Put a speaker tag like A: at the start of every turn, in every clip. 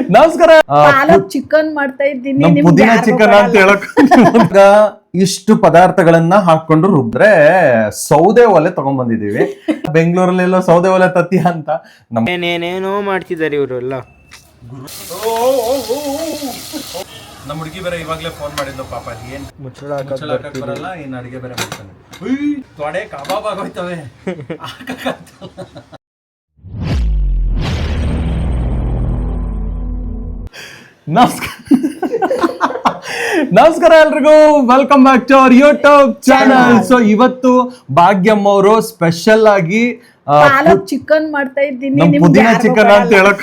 A: ನಮಸ್ಕಾರ.
B: ಪಾಲಕ್ ಚಿಕನ್ ಮಾಡ್ತಾ ಇದ್ದೀನಿ.
A: ಪುದೀನ ಚಿಕನ್ ಅಂತ ಹೇಳಕ್ ಇಷ್ಟು ಪದಾರ್ಥಗಳನ್ನ ಹಾಕೊಂಡು ರುಬ್ದ್ರೆ ಸೌದೆ ಒಲೆ ತಗೊಂಡ್ ಬಂದಿದೀವಿ. ಬೆಂಗಳೂರಲ್ಲೆಲ್ಲೋ ಸೌದೆ ಒಲೆ ತತ್ತಿ ಅಂತ
C: ಏನೇನೋ ಮಾಡ್ತಿದ್ದಾರೆ ಇವರು ಎಲ್ಲ.
A: ನಮ್ಮ ಹುಡುಗಿ ಬೇರೆ ಇವಾಗ್ಲೇ ಫೋನ್ ಮಾಡಿದ್ಲು ಪಾಪ. ಏನ್ ಮುಚ್ಚಳ ಹಾಕಕ್ ಬರಲ್ಲ, ಇನ್ ಅಡಿಗೆ ಬೇರೆ ಮಾಡ್ತಾನೆ. ತೊಡೆ ಕಬಾಬ್ ಆಗೋಯ್ತವೆ. ನಮಸ್ಕಾರ ಎಲ್ರಿಗೂ, welcome back to our YouTube channel. So ಇವತ್ತು ಭಾಗ್ಯಮ್ಮ ಅವರು ಸ್ಪೆಷಲ್ ಆಗಿ
B: ಪಾಲಕ್ ಚಿಕನ್ ಮಾಡ್ತಾ ಇದ್ದೀನಿ.
A: ಪುದೀನ ಚಿಕನ್ ಅಂತ ಹೇಳಕ್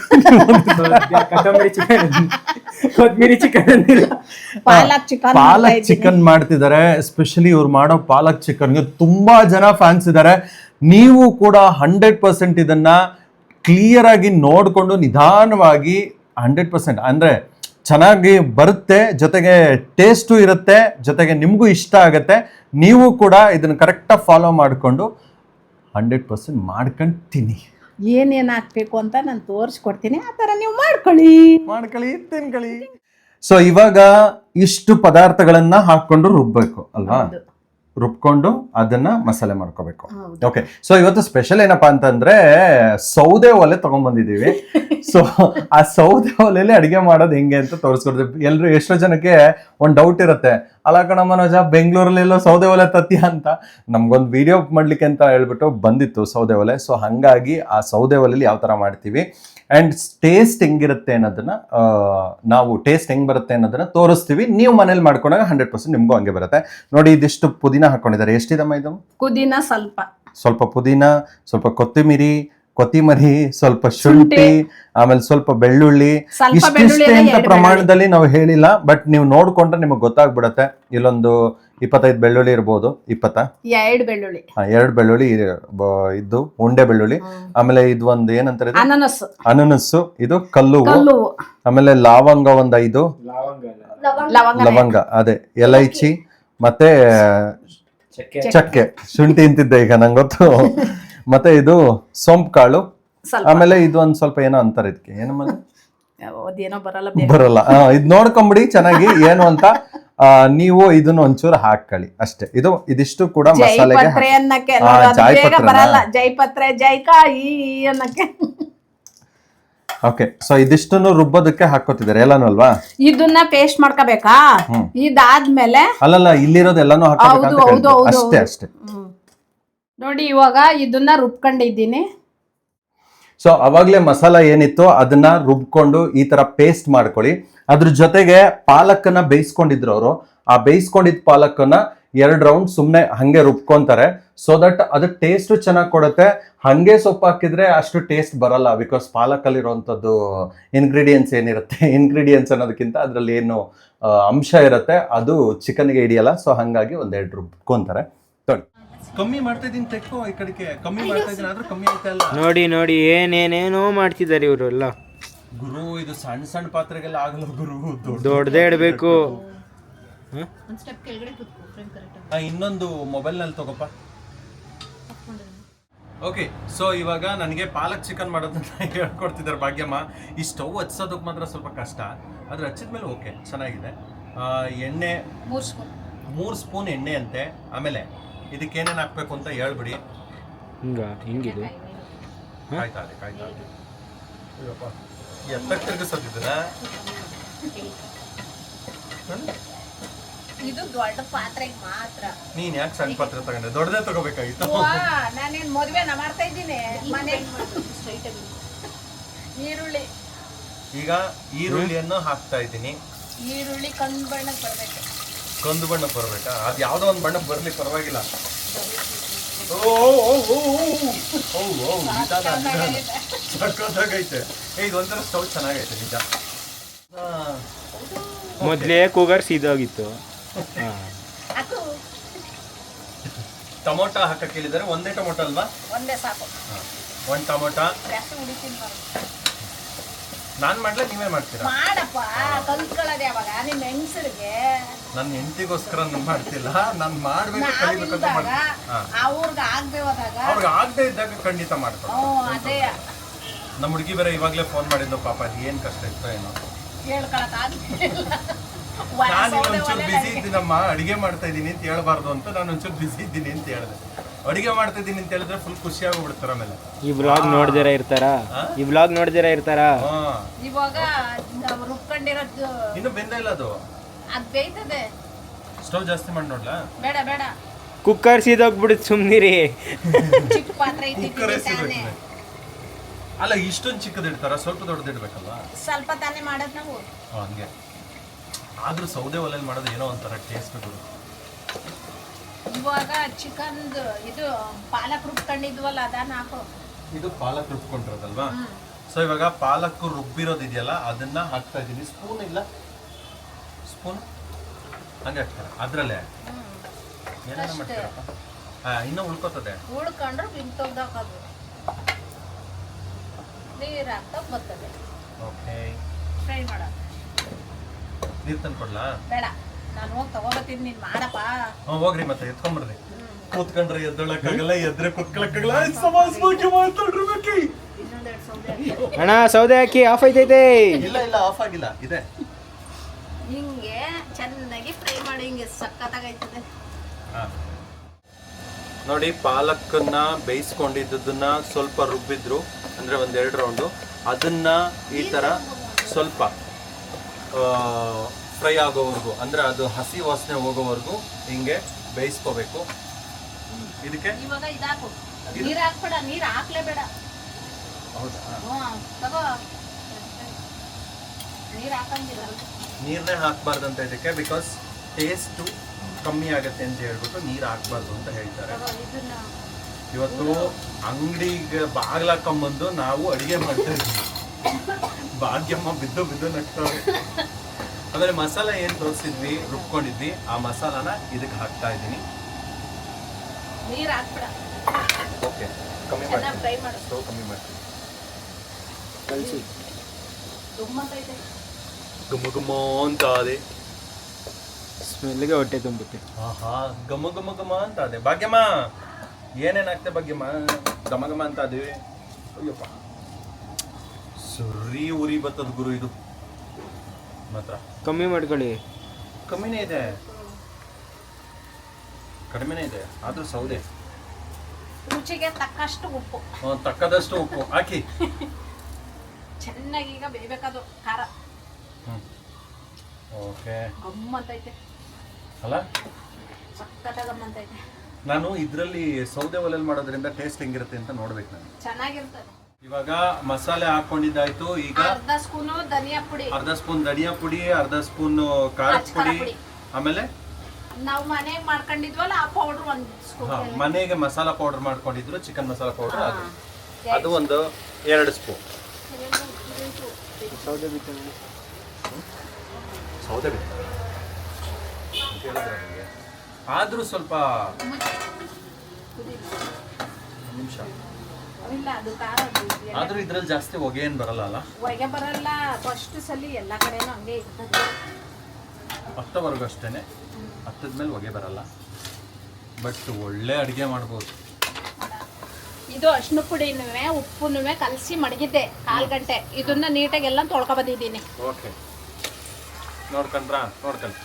C: ಕೊತ್ಮೀರಿ ಚಿಕನ್
B: ಪಾಲಕ್
A: ಚಿಕನ್ ಮಾಡ್ತಿದ್ದಾರೆ. ಎಸ್ಪೆಷಲಿ ಇವ್ರು ಮಾಡೋ ಪಾಲಕ್ ಚಿಕನ್ಗೆ ತುಂಬಾ ಜನ ಫ್ಯಾನ್ಸ್ ಇದ್ದಾರೆ. ನೀವು ಕೂಡ 100% ಇದನ್ನ ಕ್ಲಿಯರ್ ಆಗಿ ನೋಡ್ಕೊಂಡು ನಿಧಾನವಾಗಿ 100% ಅಂದ್ರೆ ಚೆನ್ನಾಗಿ ಬರುತ್ತೆ, ಜೊತೆಗೆ ಟೇಸ್ಟು ಇರುತ್ತೆ, ಜೊತೆಗೆ ನಿಮಗೂ ಇಷ್ಟ ಆಗತ್ತೆ. ನೀವು ಕೂಡ ಇದನ್ನ ಕರೆಕ್ಟಾಗಿ ಫಾಲೋ ಮಾಡಿಕೊಂಡು 100% ಮಾಡ್ಕೊಂಡು ತಿನ್ನಿ.
B: ಏನೇನ್ ಹಾಕ್ಬೇಕು ಅಂತ ನಾನು ತೋರಿಸ್ಕೊಡ್ತೀನಿ, ಆ ತರ ನೀವು ಮಾಡ್ಕೊಳ್ಳಿ
A: ತಿನ್ಕೊಳ್ಳಿ. ಸೊ ಇವಾಗ ಇಷ್ಟು ಪದಾರ್ಥಗಳನ್ನ ಹಾಕೊಂಡು ರುಬ್ಬೇಕು ಅಲ್ವಾ? ರುಬ್ಕೊಂಡು ಅದನ್ನ ಮಸಾಲೆ ಮಾಡ್ಕೋಬೇಕು. ಓಕೆ, ಸೊ ಇವತ್ತು ಸ್ಪೆಷಲ್ ಏನಪ್ಪಾ ಅಂತಂದ್ರೆ ಸೌದೆ ಒಲೆ ತಗೊಂಡ್ ಬಂದಿದೀವಿ. ಸೊ ಆ ಸೌದೆ ಒಲೆಯಲ್ಲಿ ಅಡಿಗೆ ಮಾಡೋದು ಹೆಂಗೆ ಅಂತ ತೋರಿಸ್ಕೊಡ್ತೀವಿ. ಎಲ್ರು ಎಷ್ಟೋ ಜನಕ್ಕೆ ಒಂದ್ ಡೌಟ್ ಇರುತ್ತೆ, ಅಲ್ಲ ಕಣ ಮನೋಜ, ಬೆಂಗಳೂರಲ್ಲೆಲ್ಲೋ ಸೌದೆ ಒಲೆ ತತ್ತಿ ಅಂತ. ನಮ್ಗೊಂದು ವಿಡಿಯೋ ಮಾಡ್ಲಿಕ್ಕೆ ಅಂತ ಹೇಳ್ಬಿಟ್ಟು ಬಂದಿತ್ತು ಸೌದೆ ಒಲೆ. ಸೊ ಹಂಗಾಗಿ ಆ ಸೌದೆ ಒಲೆಯಲ್ಲಿ ಯಾವ ತರ ಮಾಡ್ತೀವಿ ಅಂಡ್ ಟೇಸ್ಟ್ ಹೆಂಗಿರುತ್ತೆ ಅನ್ನೋದನ್ನ ನಾವು ಟೇಸ್ಟ್ ಹೆಂಗ್ ಬರುತ್ತೆ ಅನ್ನೋದನ್ನ ತೋರಿಸ್ತೀವಿ. ನೀವು ಮನೇಲಿ ಮಾಡ್ಕೊಂಡಾಗ 100% ನಿಮ್ಗೂ ಹಂಗೆ ಬರುತ್ತೆ. ನೋಡಿ, ಇದಿಷ್ಟು ಪುದೀನ ಹಾಕೊಂಡಿದ್ದಾರೆ. ಎಷ್ಟಿದಮ್ಮ ಇದು?
B: ಪುದೀನ
A: ಸ್ವಲ್ಪ ಪುದೀನ, ಸ್ವಲ್ಪ ಕೊತ್ತಿಮರಿ, ಸ್ವಲ್ಪ ಶುಂಠಿ, ಆಮೇಲೆ ಸ್ವಲ್ಪ ಬೆಳ್ಳುಳ್ಳಿ. ಇಷ್ಟಿಷ್ಟೇ ಅಂತ ಪ್ರಮಾಣದಲ್ಲಿ ನಾವು ಹೇಳಿಲ್ಲ, ಬಟ್ ನೀವು ನೋಡ್ಕೊಂಡ್ರೆ ನಿಮಗೆ ಗೊತ್ತಾಗ್ಬಿಡತ್ತೆ. ಇಲ್ಲೊಂದು 25 ಬೆಳ್ಳುಳ್ಳಿ ಇರ್ಬೋದು.
B: 2
A: ಬೆಳ್ಳುಳ್ಳಿ ಇದ್ದು ಉಂಡೆ ಬೆಳ್ಳುಳ್ಳಿ. ಆಮೇಲೆ ಇದು ಒಂದು ಏನಂತಾರೆ, ಅನನಸ್ಸು, ಇದು ಕಲ್ಲು, ಆಮೇಲೆ ಲವಂಗ ಒಂದು 5 ಲವಂಗ, ಅದೇ ಎಲೈಚಿ, ಮತ್ತೆ ಚಕ್ಕೆ, ಶುಂಠಿ ಅಂತಿದ್ದೆ ಈಗ ನಂಗೆ ಗೊತ್ತು. ಮತ್ತೆ ಇದು ಸೋಂಪು ಕಾಳು, ಆಮೇಲೆ ಇದು ಒಂದ್ ಸ್ವಲ್ಪ ಏನೋ ಅಂತಾರೆ ಇದಕ್ಕೆ, ಏನೋ ಬರಲ್ಲ. ಇದ್ ನೋಡ್ಕೊಂಬಿಡಿ ಚೆನ್ನಾಗಿ ಏನು ಅಂತ. ನೀವು ಇದನ್ನ ಒಂಚೂರು ಹಾಕೊಳ್ಳಿ ಅಷ್ಟೇ. ಇದಿಷ್ಟು ಕೂಡ ಮಸಾಲೆಗೆ ಓಕೆ. ಸೊ ಇದಿಷ್ಟನ್ನು ರುಬ್ಬೋದಕ್ಕೆ ಹಾಕೋತಿದ್ದಾರೆ ಎಲ್ಲಾನು ಅಲ್ವಾ?
B: ಇದನ್ನ ಪೇಸ್ಟ್ ಮಾಡ್ಕೋಬೇಕಾ? ಇದಾದ್ಮೇಲೆ
A: ಅಲ್ಲಲ್ಲ, ಇಲ್ಲಿರೋದು ಎಲ್ಲಾನು ಹಾಕೋಬೇಕು ಅಷ್ಟೇ.
B: ನೋಡಿ, ಇವಾಗ ಇದನ್ನ ರುಬ್ಕೊಂಡಿದ್ದೀನಿ.
A: ಸೊ ಅವಾಗ್ಲೇ ಮಸಾಲ ಏನಿತ್ತು ಅದನ್ನ ರುಬ್ಕೊಂಡು ಈ ತರ ಪೇಸ್ಟ್ ಮಾಡ್ಕೊಳ್ಳಿ. ಅದ್ರ ಜೊತೆಗೆ ಪಾಲಕನ್ನ ಬೇಯಿಸ್ಕೊಂಡಿದ್ರು ಅವರು. ಆ ಬೇಯಿಸ್ಕೊಂಡಿದ್ ಪಾಲಕನ್ನ 2 ರೌಂಡ್ ಸುಮ್ನೆ ಹಂಗೆ ರುಬ್ಕೊಂತಾರೆ. ಸೊ ದಟ್ ಅದು ಟೇಸ್ಟ್ ಚೆನ್ನಾಗಿ ಕೊಡುತ್ತೆ. ಹಂಗೆ ಸೊಪ್ಪು ಹಾಕಿದ್ರೆ ಅಷ್ಟು ಟೇಸ್ಟ್ ಬರಲ್ಲ, ಬಿಕಾಸ್ ಪಾಲಕಲ್ಲಿ ಇರುವಂತದ್ದು ಇಂಗ್ರೀಡಿಯೆಂಟ್ಸ್ ಏನಿರುತ್ತೆ, ಇಂಗ್ರೀಡಿಯೆಂಟ್ಸ್ ಅನ್ನೋದಕ್ಕಿಂತ ಅದ್ರಲ್ಲಿ ಏನು ಅಂಶ ಇರುತ್ತೆ ಅದು ಚಿಕನ್ಗೆ ಹಿಡಿಯಲ್ಲ. ಸೊ ಹಂಗಾಗಿ 1-2 ರುಬ್ಕೊಂತಾರೆ. ಕಮ್ಮಿ ಮಾಡ್ತಾ ಇದೀನಿ, ತೆಕ್ಕೋ ಈ ಕಡೆಗೆ. ಕಮ್ಮಿ ಮಾಡ್ತಾ ಇದೀನಿ ಆದ್ರೂ ಕಮ್ಮಿ ಆಗ್ತಾ ಇಲ್ಲ.
C: ನೋಡಿ ಏನೇನೇನೋ ಮಾಡ್ತಿದ್ದಾರೆ ಇವರು ಎಲ್ಲ.
A: ಗುರು, ಇದು ಸಣ್ಣ ಸಣ್ಣ ಪಾತ್ರೆಗೆಲ್ಲ ಆಗಲ್ಲ ಗುರು,
C: ದೊಡ್ಡದೇ ಇಡಬೇಕು.
A: ಇನ್ನೊಂದು ಮೊಬೈಲ್ ನಲ್ಲಿ ತಗೋಪ್ಪ. ಓಕೆ, ಸೊ ಇವಾಗ ನನಗೆ ಪಾಲಕ್ ಚಿಕನ್ ಮಾಡೋದನ್ನ ಹೇಳ್ಕೊಡ್ತಿದ್ದಾರೆ ಭಾಗ್ಯಮ್ಮ. ಈ ಸ್ಟವ್ ಹಚ್ಚೋದಕ್ಕೆ ಮಾತ್ರ ಸ್ವಲ್ಪ ಕಷ್ಟ, ಆದ್ರೆ ಹಚ್ಚಿದ್ಮೇಲೆ ಓಕೆ ಚೆನ್ನಾಗಿದೆ. ಎಣ್ಣೆ 3 ಸ್ಪೂನ್ ಎಣ್ಣೆ ಅಂತೆ. ಆಮೇಲೆ ಇದಕ್ಕೆ ಏನೇನು ಹಾಕ್ಬೇಕು ಅಂತ ಹೇಳ್ಬಿಡಿ.
C: ಹಿಂಗಿದೆ
A: ಕಾಯ್ತಾ ಎತ್ತಕ್ಕೆ ತಿರ್ಗಿಸೋದಿದ್ದೀರ?
B: ಇದು ದೊಡ್ಡ ಪಾತ್ರೆಗೆ ಮಾತ್ರ.
A: ನೀನ್ ಯಾಕೆ ಸಣ್ಣ ಪಾತ್ರೆ ತಗೊಂಡೆ? ದೊಡ್ಡದೇ ತಗೋಬೇಕಾಗಿತ್ತು.
B: ನಾನೇನ್ ಮದುವೆನ ಮಾಡ್ತಾ ಇದ್ದೀನಿ ಮನೆ. ಈರುಳ್ಳಿ,
A: ಈಗ ಈರುಳ್ಳಿಯನ್ನು ಹಾಕ್ತಾ ಇದ್ದೀನಿ.
B: ಈರುಳ್ಳಿ ಕಂದು ಬಣ್ಣಕ್ಕೆ ಬರ್ಬೇಕು.
A: ಕಂದು ಬಣ್ಣಕ್ಕೆ ಬರ್ಬೇಕಾ? ಅದು ಯಾವ್ದೋ ಒಂದು ಬಣ್ಣಕ್ಕೆ ಬರ್ಲಿ ಪರವಾಗಿಲ್ಲ. ಸಕ್ಕತ್ತಾಗೈತೆ. ಇದು ಒಂಥರ ಸ್ಟವ್ ಚೆನ್ನಾಗೈತೆ ನಿಜ.
C: ಮೊದಲೇ ಕೂಗರ್ ಸೀದೋಗಿತ್ತು.
A: ಟೊಮೊಟೊ ಹಾಕಕ್ಕೆ ಹೇಳಿದ್ದಾರೆ. ಒಂದೇ ಟೊಮೊಟೊ ಅಲ್ವಾ?
B: ಒಂದೇ ಸಾಕು.
A: 1 ಟೊಮೊಟೊ. ನಾನ್ ಮಾಡ್ಲಾ ನೀವೇ ಮಾಡ್ತೀರಾ?
B: ಮಾಡಪ್ಪ, ಕಲ್ತ್ಕೊಳ್ಳೋದು ಯಾವಾಗ? ನಿಮ್ಮ ಹೆಂಗಸರಿಗೆ.
A: ನನ್ನ ಹೆಂಡತಿಗೋಸ್ಕರ ಮಾಡ್ತಿಲ್ಲ, ನಾನು ಮಾಡ್ಬೇಕು, ಕಲಿಬೇಕಂತ
B: ಅವ್ರಿಗೆ ಆಗದೆ ಹೋದಾಗ,
A: ಅವ್ರಿಗೆ ಆಗದೆ ಇದ್ದಾಗ ಖಂಡಿತ ಮಾಡ್ತಾರೆ.
B: ಅದೇ
A: ನಮ್ಮ ಹುಡುಗಿ ಬೇರೆ ಇವಾಗಲೇ ಫೋನ್ ಮಾಡಿದ್ದು ಪಾಪ ಏನು ಕಷ್ಟ ಇತ್ತು ಏನೋ. ನಾನು ಒಂಚೂರು ಬಿಸಿ ಇದ್ದೀನಮ್ಮ, ಅಡಿಗೆ ಮಾಡ್ತಾ ಇದ್ದೀನಿ ಅಂತ ಹೇಳ್ಬಾರ್ದು ಅಂತ ನಾನು ಒಂಚೂರು ಬಿಸಿ ಇದ್ದೀನಿ ಅಂತ ಹೇಳಿದೆ. ಅಡಿಗೆ ಮಾಡ್ತಾ ಇದ್ದೀನಿ ಅಂತ ಹೇಳಿದ್ರೆ ಫುಲ್ ಖುಷಿ ಆಗೋಗ್ಬಿಡ್ತಾರ ಆಮೇಲೆ.
C: ಈ ಬ್ಲಾಗ್ ನೋಡ್ದಿರ ಇರ್ತಾರಾ? ಈ ಬ್ಲಾಗ್ ನೋಡ್ದಿರ ಇರ್ತಾರಾ?
B: ಇವಾಗ ರುಬ್ಕೊಂಡಿರೋದು
A: ಇನ್ನು ಬೆಂದ ಇಲ್ಲ ಅದು
B: ಬೇಯ್ತದೆ.
A: ಸ್ಟವ್ ಜಾಸ್ತಿ ಮಾಡಿ ನೋಡ್ಲಾ?
B: ಬೇಡ ಬೇಡ,
C: ಕುಕ್ಕರ್ ಸೀದೋಗ್ಬಿಡುತ್ತೆ, ಸುಮ್ನಿರಿ.
B: ಚಿಕ್ಕ ಪಾತ್ರೆ
A: ಕುಕ್ಕರೇ
B: ಇಟ್ಟಿದ್ದೀನಿ ತಾನೇ.
A: ಅಲ್ಲ ಇಷ್ಟೊಂದು ಚಿಕ್ಕದ ಇಡ್ತಾರ, ಸ್ವಲ್ಪ ದೊಡ್ಡದು ಇಡ್ಬೇಕಲ್ಲ.
B: ಸ್ವಲ್ಪ ತಾನೇ ಮಾಡೋದು ನಾವು.
A: ಹಂಗೆ ಆದ್ರೂ ಸೌದೆ ಒಲೆಯಲ್ಲಿ ಮಾಡೋದು ಏನೋ ಒಂಥರ ಟೇಸ್ಟ್ ಗುರು.
B: ಇವಾಗ ಚಿಕನ್ ಇದು ಪಾಲಕ್ ರುಬ್ಕೊಂಡಿದ್ವಲ್ಲ ಅದನ್ನ ಹಾಕು.
A: ಇದು ಪಾಲಕ್ ರುಬ್ಕೊಂಡಿರೋದಲ್ವಾ? ಸೊ ಇವಾಗ ಪಾಲಕ್ ರುಬ್ಬಿರೋದಿದೆಯಲ್ಲ ಅದನ್ನ ಹಾಕ್ತಾ ಇದ್ದೀನಿ. ಸ್ಪೂನ್ ಇಲ್ಲ, ಸ್ಪೂನ್ ಹಂಗೆ ಹಾಕ್ತಾರೆ ಅದ್ರಲ್ಲೇ. ಏನೇನ ಮಾಡ್ತೀರಪ್ಪ? ಇನ್ನೂ ಉಳ್ಕೋತದೆ.
B: ಉಳ್ಕೊಂಡ್ರೆ ಬಿಂಕ್ ತೆಗ್ದಾಕೋದು, ನೀರು ಹಾಕ್ತಾ ಬರ್ತದೆ.
A: ಓಕೆ,
B: ಫ್ರೈ ಮಾಡ.
A: ನೀರು ತಂದು ಕೊಡ್ಲಾ?
B: ಬೇಡ, ನಾನು ಹೋಗಿ ತಗೋಬತ್ತೀನಿ, ನೀನು ಮಾಡಪ್ಪ.
A: ಹೋಗ್ರಿ ಮತ್ತೆ ಎತ್ಕೊಂಡ್ಬರ್ರಿ. ಕೂತ್ಕೊಂಡ್ರೆ ಎದ್ದೊಳಕ್ಕಾಗಲ್ಲ, ಎದ್ರೆ ಕೂತ್ಕೊಳಕ್ಕಾಗಲ್ಲ. ಸಮಾಜ ಬಗ್ಗೆ ಮಾತಾಡ್ಬೇಕು.
B: ಇನ್ನೊಂದೆರಡು ಸೌದೆ
C: ಅಣ್ಣ ಸೌದೆ ಹಾಕಿ, ಆಫ್ ಐತೈತೆ.
A: ಇಲ್ಲ ಇಲ್ಲ, ಆಫ್ ಆಗಿಲ್ಲ, ಇದೆ.
B: ಹಿಂಗೆ ಚೆನ್ನಾಗಿ ಫ್ರೈ ಮಾಡಿ, ಹಿಂಗೆ ಸಕ್ಕತ್ತಾಗೈತದೆ.
A: ನೋಡಿ, ಪಾಲಕ್ಕನ್ನ ಬೇಯಿಸ್ಕೊಂಡಿದ್ದನ್ನ ಸ್ವಲ್ಪ ರುಬ್ಬಿದ್ರು, ಅಂದ್ರೆ ಒಂದೆರಡು ರೌಂಡು. ಅದನ್ನ ಈ ತರ ಸ್ವಲ್ಪ ಫ್ರೈ ಆಗೋವರೆಗೂ, ಅಂದ್ರೆ ಅದು ಹಸಿ ವಾಸನೆ ಹೋಗೋವರೆಗೂ ಹಿಂಗೆ ಬೇಯಿಸ್ಕೋಬೇಕು. ಇದಕ್ಕೆ
B: ಇವಾಗ ಇದಾಕು, ನೀರು ಹಾಕ್ಬೇಡ, ನೀರು ಹಾಕ್ಲೇಬೇಡ.
A: ಹೌದಾ?
B: ತಗೋ, ನೀರು ಹಾಕಂಗಿಲ್ಲ.
A: ನೀರನ್ನೇ ಹಾಕ್ಬಾರ್ದಂತ ಇದಕ್ಕೆ, ಬಿಕಾಸ್ ಟೇಸ್ಟು ಕಮ್ಮಿ ಆಗತ್ತೆ ಅಂತ ಹೇಳ್ಬಿಟ್ಟು ನೀರು ಹಾಕ್ಬಾರ್ದು ಅಂತ ಹೇಳ್ತಾರೆ.
B: ಇದನ್ನ
A: ಇವತ್ತು ಅಂಗಡಿಗೆ ಬಾಗ್ಲಾಕೊಂಬಂದು ನಾವು ಅಡಿಗೆ ಮಾಡ್ತಾ ಇದ್ವಿ. ಭಾಗ್ಯಮ್ಮ ಬಿದ್ದು ಬಿದ್ದು ನಗ್ತಾವೆ. ಆಮೇಲೆ ಮಸಾಲ ಏನು ತೋರಿಸಿದ್ವಿ, ರುಬ್ಕೊಂಡಿದ್ವಿ, ಆ ಮಸಾಲಾನ ಇದಕ್ಕೆ ಹಾಕ್ತಾ ಇದ್ದೀನಿ.
B: ನೀರು ಹಾಕ್ಬೇಡ.
A: ಓಕೆ, ಕಮ್ಮಿ
B: ಚೆನ್ನಾಗಿ ಫ್ರೈ
A: ಮಾಡ್ತೀನಿ,
B: ಮಾಡು.
A: ಸ್ಟವ್ ಕಮ್ಮಿ ಮಾಡ್ತೀನಿ.
C: ಕಳಿಸಿ.
B: ತುಂಬಂತೈತೆ.
A: ಗುಮ್ಮ ಗುಮ್ಮ ಅಂತ ಅದೇ,
C: ಸ್ಮೆಲ್ಗೆ ಹೊಟ್ಟೆ ತುಂಬುತ್ತೆ.
A: ಆಹಾ, ಗಮ ಗಮ ಗಮ ಅಂತ ಅದೇ. ಭಾಗ್ಯಮ್ಮ ಏನೇನಾಗ್ತೆ ಭಾಗ್ಯಮ್ಮ? ಗಮ ಗಮ ಅಂತ ಅದೇ. ಅಯ್ಯಪ್ಪ, ಸುರಿ ಉರಿ ಬರ್ತದ ಗುರು ಇದು ಮಾತ್ರ.
C: ಕಮ್ಮಿ ಮಾಡ್ಕೊಳ್ಳಿ.
A: ಕಮ್ಮಿನೇ ಇದೆ, ಕಡಿಮೆನೇ ಇದೆ, ಆದ್ರೂ ಸೌದೆ.
B: ರುಚಿಗೆ ತಕ್ಕಷ್ಟು ಉಪ್ಪು,
A: ತಕ್ಕದಷ್ಟು ಉಪ್ಪು ಹಾಕಿ.
B: ಚೆನ್ನಾಗಿ ಈಗ ಬೇಯ್ಬೇಕದು ಖಾರ.
A: ಓಕೆ,
B: ಗಮ್ಮಂತೈತೆ
A: ಅಲ್ಲ?
B: ಸಕ್ಕತ್ತ ಗಮ್ಮಂತೈತೆ.
A: ನಾನು ಇದರಲ್ಲಿ ಸೌದೆ ಒಲೆಯಲ್ಲಿ ಮಾಡೋದ್ರಿಂದ ಟೇಸ್ಟ್ ಹೆಂಗಿರುತ್ತೆ ಅಂತ ನೋಡ್ಬೇಕು ನಾನು.
B: ಚೆನ್ನಾಗಿರ್ತದೆ.
A: ಇವಾಗ ಮಸಾಲೆ ಹಾಕೊಂಡಿದ್ದಾಯ್ತು. ಈಗ
B: ಅರ್ಧ ಸ್ಪೂನು ಧನಿಯಾ ಪುಡಿ,
A: ಅರ್ಧ ಸ್ಪೂನ್ ಧನಿಯಾ ಪುಡಿ, ಅರ್ಧ ಸ್ಪೂನ್ ಖಾರದ ಪುಡಿ, ಆಮೇಲೆ
B: ನಾವು ಮನೆಗೆ ಮಾಡ್ಕೊಂಡಿದ್ವಲ್ಲ ಆ ಪೌಡರ್ ಒಂದು ಸ್ಪೂನ್.
A: ಮನೆಗೆ ಮಸಾಲ ಪೌಡರ್ ಮಾಡ್ಕೊಂಡಿದ್ರು, ಚಿಕನ್ ಮಸಾಲ ಪೌಡರ್, ಅದು ಒಂದು 2 ಸ್ಪೂನ್.
C: ಸೌದೆ ಬಿಟ್ಟು
A: ಸೌದೆ ಆದ್ರೂ ಸ್ವಲ್ಪ ನಿಮಿಷ.
B: ಇಲ್ಲ, ಅದು ಖಾರ
A: ಆದ್ರೂ ಇದ್ರಲ್ಲಿ ಜಾಸ್ತಿ ಹೊಗೆ ಏನ್ ಬರಲ್ಲ ಅಲ್ಲ?
B: ಹೊಗೆ ಬರಲ್ಲ. ಫಸ್ಟ್ ಸಲ ಎಲ್ಲ ಕಡೆನೂ ಹಂಗೆ ಇರ್ತದೆ.
A: ಹತ್ತವರೆಗೂ ಅಷ್ಟೇನೆ, ಹತ್ತದ್ಮೇಲೆ ಹೊಗೆ ಬರಲ್ಲ. ಬಟ್ ಒಳ್ಳೆ ಅಡುಗೆ ಮಾಡ್ಬೋದು.
B: ಇದು ಅರ್ಶಿನ ಪುಡಿನೂ ಉಪ್ಪುನೂ ಕಲಸಿ ಮಡಗಿದ್ದೆ 1/4 ಗಂಟೆ. ಇದನ್ನ ನೀಟಾಗಿ ಎಲ್ಲ ತೊಳ್ಕೊ ಬಂದಿದ್ದೀನಿ.
A: ಓಕೆ, ನೋಡ್ಕೊಂಡ್ರಾ? ನೋಡ್ಕೊಂಡು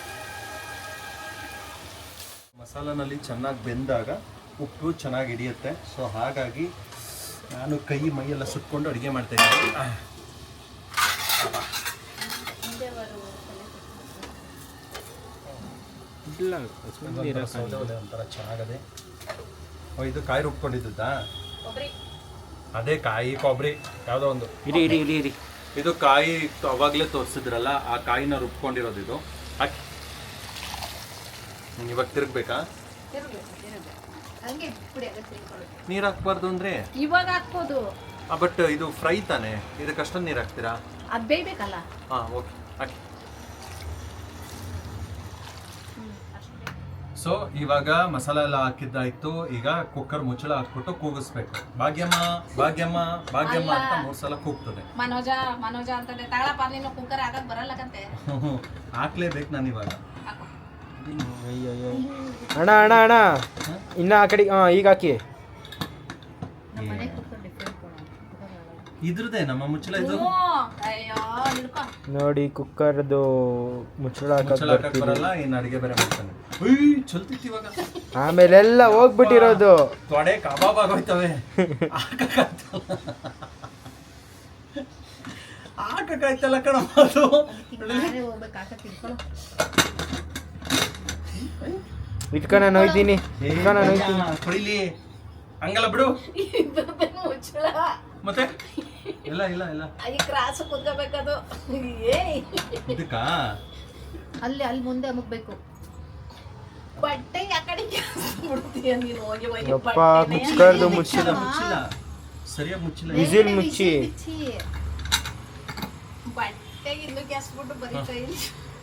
A: ಮಸಾಲನಲ್ಲಿ ಚೆನ್ನಾಗಿ ಬೆಂದಾಗ ಉಪ್ಪು ಚೆನ್ನಾಗಿ ಹಿಡಿಯುತ್ತೆ. ಸೊ ಹಾಗಾಗಿ ನಾನು ಕೈ ಮೈಯೆಲ್ಲ ಸುಟ್ಕೊಂಡು ಅಡುಗೆ ಮಾಡ್ತಾ ಇದ್ದೀನಿ.
C: ಇಲ್ಲ,
A: ಸೌದೆ ಒಲೆ ಒಂಥರ ಚೆನ್ನಾಗದೆ. ಇದು ಕಾಯಿ ರುಬ್ಕೊಂಡಿದ್ದಾ? ಅದೇ ಕಾಯಿ ಕೊಬ್ಬರಿ ಯಾವುದೋ ಒಂದು.
C: ಇರಿ ಇರಿ ಇರಿ ಇರಿ.
A: ಇದು ಕಾಯಿ ಅವಾಗಲೇ ತೋರಿಸಿದ್ರಲ್ಲ, ಆ ಕಾಯಿನ ರುಬ್ಕೊಂಡಿರೋದು ಇದು. ಹಾಕಿ ಇವಾಗ ತಿರುಗ್ಬೇಕಾ? ನೀರು ಹಾಕ್ಬಾರ್ದು ಅಂದ್ರೆ
B: ಇವಾಗ ಹಾಕ್ಬೋದು.
A: ಬಟ್ ಇದು ಫ್ರೈ ತಾನೆ, ಇದಕ್ಕೆ ಅಷ್ಟೊಂದು ನೀರು ಹಾಕ್ತೀರಾ?
B: ಅದು ಬೇಯ್ಬೇಕಲ್ಲ.
A: ಹಾಂ, ಓಕೆ, ಹಾಕಿ. ಸೊ ಇವಾಗ ಮಸಾಲೆ ಎಲ್ಲ ಹಾಕಿದ್ದಾಯ್ತು. ಈಗ ಕುಕ್ಕರ್ ಮುಚ್ಚಳ ಹಾಕ್ಬಿಟ್ಟು ಕೂಗಿಸ್ಬೇಕು. ಭಾಗ್ಯಮ್ಮ ಭಾಗ್ಯಮ್ಮ ಭಾಗ್ಯಮ್ಮ ಅಂತ 3 ಸಲ ಕೂಗ್ತದೆ.
B: ಮನೋಜ ಮನೋಜ ಅಂತಂದೆ. ತಗೊಳಪ್ಪ, ನೀನು ಕುಕ್ಕರ್ ಆಗಕ್ ಬರಲ್ಲಕಂತೆ.
A: ಹಾಕ್ಲೇಬೇಕು ನಾನು ಇವಾಗ.
C: ಅಣ್ಣ ಅಣ್ಣ ಅಣ್ಣ, ಇನ್ನ ಆ ಕಡೆ. ಈಗ ಹಾಕಿ.
A: ಇದ್ರದೇ ನಮ್ಮ ಮುಚ್ಚಳ ಇದು
B: ಅಯ್ಯೋ ಹಿಡ್ಕೊ.
C: ನೋಡಿ ಕುಕ್ಕರ್ದು ಮುಚ್ಚಳ
A: ಮುಚ್ಚಳ
C: ಹಾಕಕ್
A: ಹಾಕಕ್ ಬರಲ್ಲ ಇನ್ನು ಅಡಿಗೆ ಬೇರೆ ಮಾಡ್ತಾನೆ. ಉಯ್ ಚಲ್ತಿತ್ತು ಇವಾಗ.
C: ಆಮೇಲೆಲ್ಲ ಹೋಗ್ಬಿಟ್ಟಿರೋದು.
A: ತೊಡೆ ಕಬಾಬ್ ಆಗೋಯ್ತವೆ. ಹಾಕಕ್ಕಾಯ್ತಲ್ಲ ಕಣ ಅದು.
B: ನಾನೇ ಹೋಗ್ಬೇಕು ಹಾಕಕ್ಕೆ ಹಿಡ್ಕೊಳ್ಳೋ.
C: ಇಟ್ಕ ನಾನು ಹೋಯ್ತೀನಿ. ಇಟ್ಕ ನಾನು ಹೋಯ್ತೀನಿ.
A: ಕೊಯ್ಲಿ ಹಂಗಲ್ಲ ಬಿಡು.
B: ಇದ್ರದ್ದೇ ಮುಚ್ಚಳ.
A: ಮತ್ತೆ ಇಲ್ಲ ಇಲ್ಲ ಇಲ್ಲ
B: ಈ ಕ್ರಾಸ್ ಕುತ್ಕೋಬೇಕದು. ಏಯ್
A: ಇದಕ್ಕ
B: ಅಲ್ಲಿ ಮುಂದೆ ಅಮುಕ್ಬೇಕು. ಬಟ್ಟೆ ಆ ಕಡೆ ಬಿಡ್ತೀಯ ನೀನು ಹೋಗಿ ಹೋಗಿ.
C: ಯಪ್ಪ ಕುಕ್ಕರ್ದು ಮುಚ್ಚಿದ
A: ಮುಚ್ಚಿಲ್ಲ ಸರಿಯಾಗಿ ಮುಚ್ಚಿಲ್ಲ.
C: ವಿಸಿಲ್ ಮುಚ್ಚಿ.
B: ಬಟ್ಟೆಗೆ ಇನ್ನು ಗ್ಯಾಸ್ ಬಿಟ್ಟು ಬರೀತಾ ಇಲ್ಲ.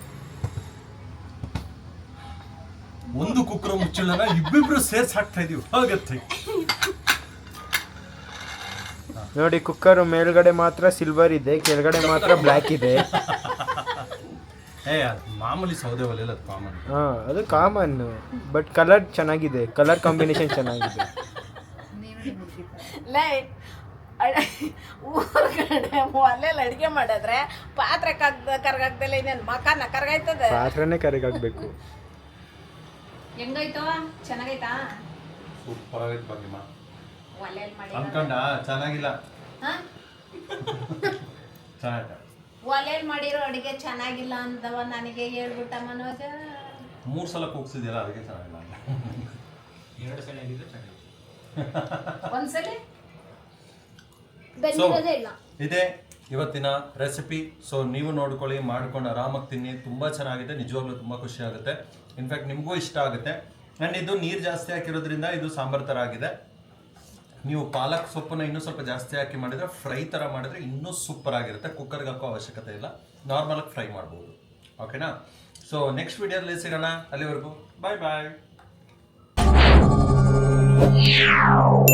A: ಒಂದು ಕುಕ್ಕರ್ ಮುಚ್ಚಿಲ್ಲನ ಇಬ್ಬಿಬ್ರು ಸೇರ್ಸ್ ಹಾಕ್ತಾ ಇದೀವಿ ಹಾಗತ್ತೆ.
C: ನೋಡಿ ಕುಕ್ಕರ್ ಮೇಲ್ಗಡೆ ಮಾತ್ರ ಸಿಲ್ವರ್ ಇದೆ, ಕೆಳಗಡೆ ಮಾತ್ರ ಬ್ಲ್ಯಾಕ್ ಇದೆ.
A: ಏ ಮಾಮೂಲಿ ಸೌದೆ ಒಲೆಲ್ಲ ಅದು ಕಾಮನ್.
C: ಹಾ ಅದು ಕಾಮನ್, ಬಟ್ ಕಲರ್ ಚೆನ್ನಾಗಿದೆ, ಕಲರ್ ಕಾಂಬಿನೇಷನ್ ಚೆನ್ನಾಗಿದೆ.
B: ಲೇ ಊರ್ಗಡೆ ಒಲೆಯಲ್ಲಿ ಅಡಿಗೆ ಮಾಡಿದ್ರೆ ಪಾತ್ರೆ ಕರ್ಗಾಗ್ದಲ್ಲ ಇನ್ನೇನು ಮಕಾನ ಕರ್ಗಾಯ್ತದೆ.
C: ಪಾತ್ರೆನೇ ಕರಿಗಾಕ್ಬೇಕು.
B: ಹೆಂಗಾಯ್ತವ? ಚೆನ್ನಾಗೈತಾ?
A: ಸೂಪರ್ ಆಗೈತೆ ಬಂದಿಮ್ಮ.
B: ಒಲೆಯಲ್ಲಿ ಮಾಡಿ
A: ಅನ್ಕೊಂಡ ಚೆನ್ನಾಗಿಲ್ಲ.
B: ಹಾ
A: ಚೆನ್ನಾಗ
B: ಒಲೆಯಲ್ಲಿ ಮಾಡಿರೋ ಅಡಿಗೆ ಚೆನ್ನಾಗಿಲ್ಲ ಅಂದವ ನನಗೆ ಹೇಳ್ಬಿಟ್ಟ ಮನೋಜ.
A: 3 ಸಲ ಕೂಗ್ಸಿದ್ಯಲ್ಲ ಅದಕ್ಕೆ ಚೆನ್ನಾಗಿಲ್ಲ. 2 ಸಲ ಆಗಿದ್ರೆ ಚೆನ್ನಾಗಿಲ್ಲ.
B: ಒಂದ್ಸಲಿ ಬೆಂದಿರೋದೇ ಇಲ್ಲ.
A: ಇದೇ ಇವತ್ತಿನ ರೆಸಿಪಿ. ಸೊ ನೀವು ನೋಡ್ಕೊಳ್ಳಿ, ಮಾಡ್ಕೊಂಡು ಆರಾಮಾಗಿ ತಿನ್ನಿ. ತುಂಬ ಚೆನ್ನಾಗಿದೆ, ನಿಜವಾಗ್ಲೂ ತುಂಬ ಖುಷಿ ಆಗುತ್ತೆ. ಇನ್ಫ್ಯಾಕ್ಟ್ ನಿಮಗೂ ಇಷ್ಟ ಆಗುತ್ತೆ. ಆ್ಯಂಡ್ ಇದು ನೀರು ಜಾಸ್ತಿ ಹಾಕಿರೋದ್ರಿಂದ ಇದು ಸಾಂಬಾರ್ ಥರ ಆಗಿದೆ. ನೀವು ಪಾಲಕ್ ಸೊಪ್ಪನ್ನ ಇನ್ನೂ ಸ್ವಲ್ಪ ಜಾಸ್ತಿ ಹಾಕಿ ಮಾಡಿದರೆ, ಫ್ರೈ ಥರ ಮಾಡಿದರೆ ಇನ್ನೂ ಸೂಪರ್ ಆಗಿರುತ್ತೆ. ಕುಕ್ಕರ್ಗೆ ಹಾಕೋ ಅವಶ್ಯಕತೆ ಇಲ್ಲ, ನಾರ್ಮಲಾಗಿ ಫ್ರೈ ಮಾಡ್ಬೋದು. ಓಕೆನಾ? ಸೊ ನೆಕ್ಸ್ಟ್ ವಿಡಿಯೋದಲ್ಲಿ ಸಿಗೋಣ. ಅಲ್ಲಿವರೆಗೂ ಬಾಯ್ ಬಾಯ್.